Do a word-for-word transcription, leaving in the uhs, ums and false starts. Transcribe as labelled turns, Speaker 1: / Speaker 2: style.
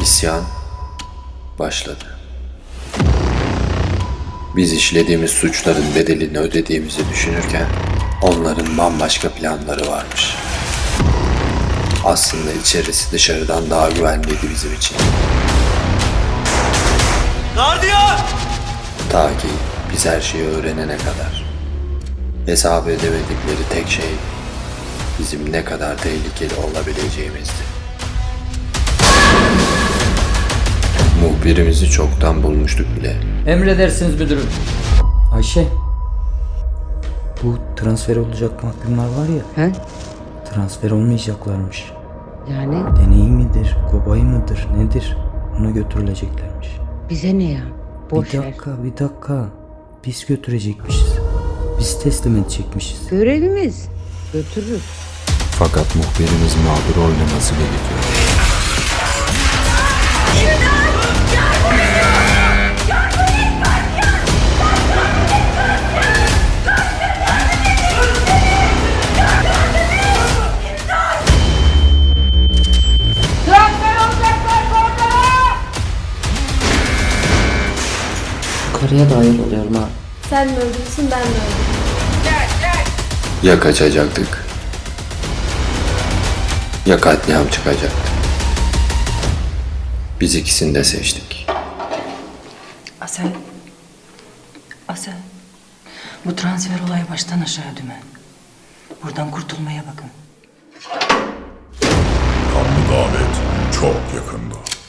Speaker 1: İsyan başladı. Biz işlediğimiz suçların bedelini ödediğimizi düşünürken onların bambaşka planları varmış. Aslında içerisi dışarıdan daha güvenliydi bizim için.
Speaker 2: Gardiyan!
Speaker 1: Ta ki biz her şeyi öğrenene kadar. Hesap edemedikleri tek şey bizim ne kadar tehlikeli olabileceğimizdi. Muhbirimizi çoktan bulmuştuk bile.
Speaker 3: Emredersiniz müdürüm. Ayşe. Bu transfer olacak mahkumlar var ya.
Speaker 4: He?
Speaker 3: Transfer olmayacaklarmış.
Speaker 4: Yani
Speaker 3: Deney midir, kobay mıdır, nedir? Ona götürüleceklermiş.
Speaker 4: bize ne ya? Boş
Speaker 3: bir
Speaker 4: ver.
Speaker 3: dakika, bir dakika. Biz götürecekmişiz. Biz teslim edecekmişiz.
Speaker 4: Görevimiz. Götürürüz.
Speaker 1: Fakat muhbirimiz mağdur oynaması gerekiyor.
Speaker 5: Karıya da ayar oluyorum ha.
Speaker 6: Sen mi öldürsün ben mi öldürürüm?
Speaker 1: Ya kaçacaktık ya katliam çıkacaktı. Biz ikisini de seçtik.
Speaker 7: Asel. Asel. Bu transfer olayı baştan aşağı dümen. Buradan kurtulmaya bakın.
Speaker 8: Kanlı davet çok yakında.